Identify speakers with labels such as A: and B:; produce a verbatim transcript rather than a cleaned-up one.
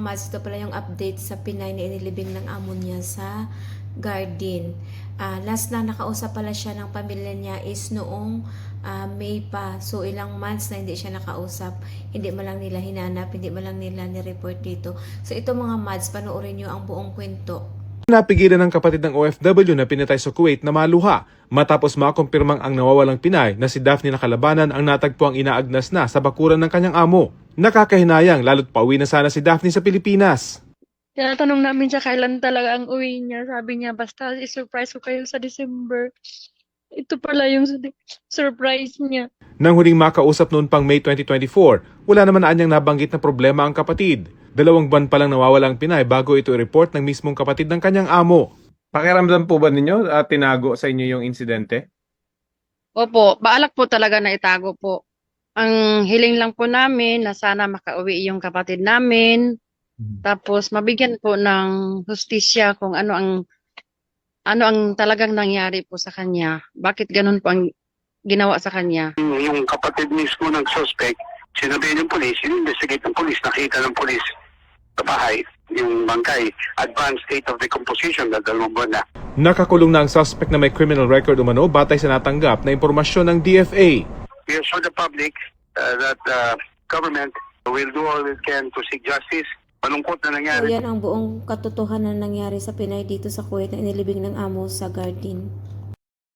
A: Mads, ito pala yung update sa Pinay na inilibing ng amo niya sa garden. Uh, last na nakausap pala siya ng pamilya niya is noong uh, May pa. So ilang months na hindi siya nakausap. Hindi mo lang nila hinanap, hindi mo lang nila ni-report dito. So ito mga Mads, panoorin nyo ang buong kwento.
B: Napigilan ng kapatid ng O F W na pinatay sa Kuwait na maluha matapos makumpirmang ang nawawalang Pinay na si Daphne Nakalabanan ang natagpuang inaagnas na sa bakuran ng kanyang amo. Nakakahinayang lalo't pauwi na sana si Daphne sa Pilipinas.
C: Tinatanong namin siya kailan talaga ang uwi niya. Sabi niya, basta i-surprise ko kayo sa December. Ito pala yung surprise niya.
B: Nang huling makausap noon pang May twenty twenty-four, wala naman na anyang nabanggit na problema ang kapatid. Dalawang buwan pa lang nawawala ang Pinay bago ito i-report ng mismong kapatid ng kanyang amo. Pakiramdam po ba ninyo at tinago sa inyo yung insidente?
C: Opo, baalak po talaga na itago po. Ang hiling lang po namin na sana makauwi yung kapatid namin. Hmm. Tapos mabigyan po ng hustisya kung ano ang ano ang talagang nangyari po sa kanya. Bakit ganun po ang ginawa sa kanya?
D: Yung kapatid mismo ng suspect, sinabi ng polis, in-investigate ng polis, nakita ng polis sa bahay, yung bangkay, advanced state of decomposition, dalawang buwan na.
B: Nakakulong na ang suspect na may criminal record umano batay sa natanggap na impormasyon ng D F A.
D: We assure the public uh, that the uh, government will do all it can to seek justice. Malungkot na nangyari.
A: So yan ang buong katotohanan na nangyari sa Pinay dito sa Kuwait na inilibing ng amo sa garden.